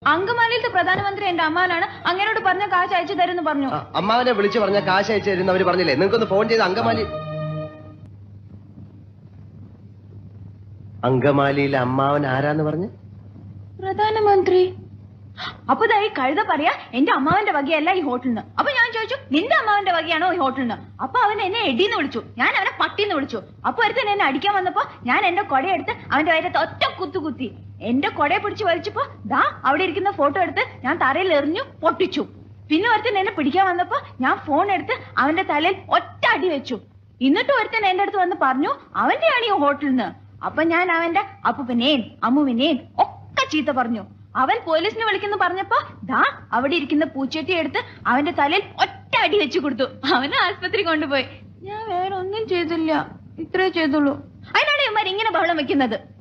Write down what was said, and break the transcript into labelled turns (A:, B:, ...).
A: അങ്കമാലിയിലത്തെ പ്രധാനമന്ത്രി എന്റെ അമ്മാവനാണ്. അങ്ങനോട് പറഞ്ഞ കാശ് അയച്ചു തരുമെന്ന് പറഞ്ഞു.
B: അമ്മാവനെ വിളിച്ചു പറഞ്ഞ കാശ് അയച്ചു തരുന്നവര് പറഞ്ഞില്ലേ? നിങ്ങൾക്കൊന്ന് ഫോൺ ചെയ്ത് അങ്കമാലിയിലെ അമ്മാവൻ ആരാന്ന് പറഞ്ഞു?
A: പ്രധാനമന്ത്രി. അപ്പൊ ഈ കഴുത പറയാ എന്റെ അമ്മാവന്റെ വകയല്ല ഈ ഹോട്ടലിന്. അപ്പൊ ഞാൻ ചോദിച്ചു നിന്റെ അമ്മാവന്റെ വകയാണോ ഈ ഹോട്ടലിന്? അപ്പൊ അവൻ എന്നെ എടീന്ന് വിളിച്ചു, ഞാൻ അവനെ പട്ടിന്ന് വിളിച്ചു. അപ്പൊ ഒരുത്തൻ എന്നെ അടിക്കാൻ വന്നപ്പോ ഞാൻ എന്റെ കൊടയെടുത്ത് അവന്റെ വയറ്റത്ത് ഒറ്റ കുത്തി. എന്റെ കൊടയെ പിടിച്ച് വലിച്ചപ്പോ ദാ അവിടെ ഇരിക്കുന്ന ഫോട്ടോ എടുത്ത് ഞാൻ തറയിൽ എറിഞ്ഞു പൊട്ടിച്ചു. പിന്നെ ഒരുത്തൻ എന്നെ പിടിക്കാൻ വന്നപ്പോ ഞാൻ ഫോൺ എടുത്ത് അവന്റെ തലയിൽ ഒറ്റ അടി വെച്ചു. എന്നിട്ട് ഒരുത്തൻ എന്റെ അടുത്ത് വന്ന് പറഞ്ഞു അവന്റെയാണ് ഈ ഹോട്ടലിന്. അപ്പൊ ഞാൻ അവന്റെ അപ്പുവിനെയും അമ്മുവിനെയും ഒക്കെ ചീത്ത പറഞ്ഞു. അവൻ പോലീസിനെ വിളിക്കുന്നു പറഞ്ഞപ്പോ ദാ അവിടെ ഇരിക്കുന്ന പൂച്ചട്ടി എടുത്ത് അവന്റെ തലയിൽ ഒറ്റ അടി വെച്ചു കൊടുത്തു. അവനെ ആശുപത്രി കൊണ്ടുപോയി. ഞാൻ വേറെ ഒന്നും ചെയ്തില്ല, ഇത്രേ ചെയ്തുള്ളൂ. അതിനാണ് ഇവന്മാർ ഇങ്ങനെ ബഹളം വെക്കുന്നത്.